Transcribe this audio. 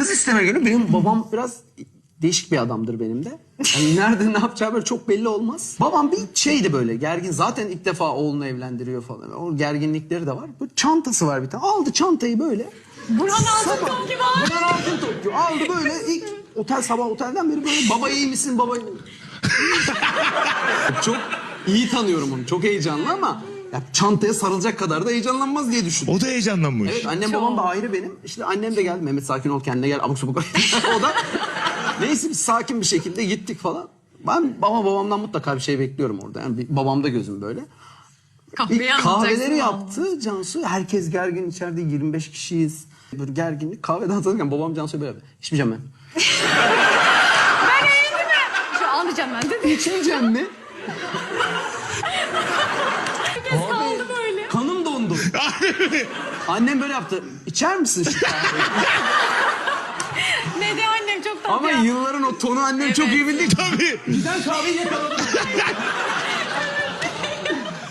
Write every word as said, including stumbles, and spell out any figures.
kız isteme günü benim babam biraz değişik bir adamdır benim de. Yani nerede ne yapacağı böyle çok belli olmaz. Babam bir şeydi böyle gergin. Zaten ilk defa oğlunu evlendiriyor falan. O gerginlikleri de var. Bu çantası var bir tane. Aldı çantayı böyle. Burhan Altıntop gibi abi. Burhan Altıntop gibi. Aldı böyle ilk otel sabah otelden beri böyle baba iyi misin baba iyi misin? Çok iyi tanıyorum onu. Çok heyecanlı ama ya çantaya sarılacak kadar da heyecanlanmaz diye düşündüm. O da heyecanlanmış. Evet, annem babam da ayrı benim. İşte annem de geldi. Mehmet sakin ol kendine gel. Abuk subuk. O da neyse biz sakin bir şekilde gittik falan. Ben baba babamdan mutlaka bir şey bekliyorum orada. Yani bir, babamda gözüm böyle. Kahveyi Bir anlatacaksın kahveleri vallahi. yaptı Cansu. Herkes gergin içeride yirmi beş kişiyiz. Böyle gerginlik. Kahveden hatırlarken babam Cansu'ya böyle yaptı. İçmeyeceğim ben. Ben eğildim mi? Şu alacağım ben dedi. İçmeyeceğim mi? Herkes kaldı böyle. Kanım dondu. Annem böyle yaptı. İçer misin şu kahveyi? Ne diyor annem çok tatlı Ama ya. yılların o tonu annem çok iyi bildi. Tabii. Giden kahveyi yakaladım.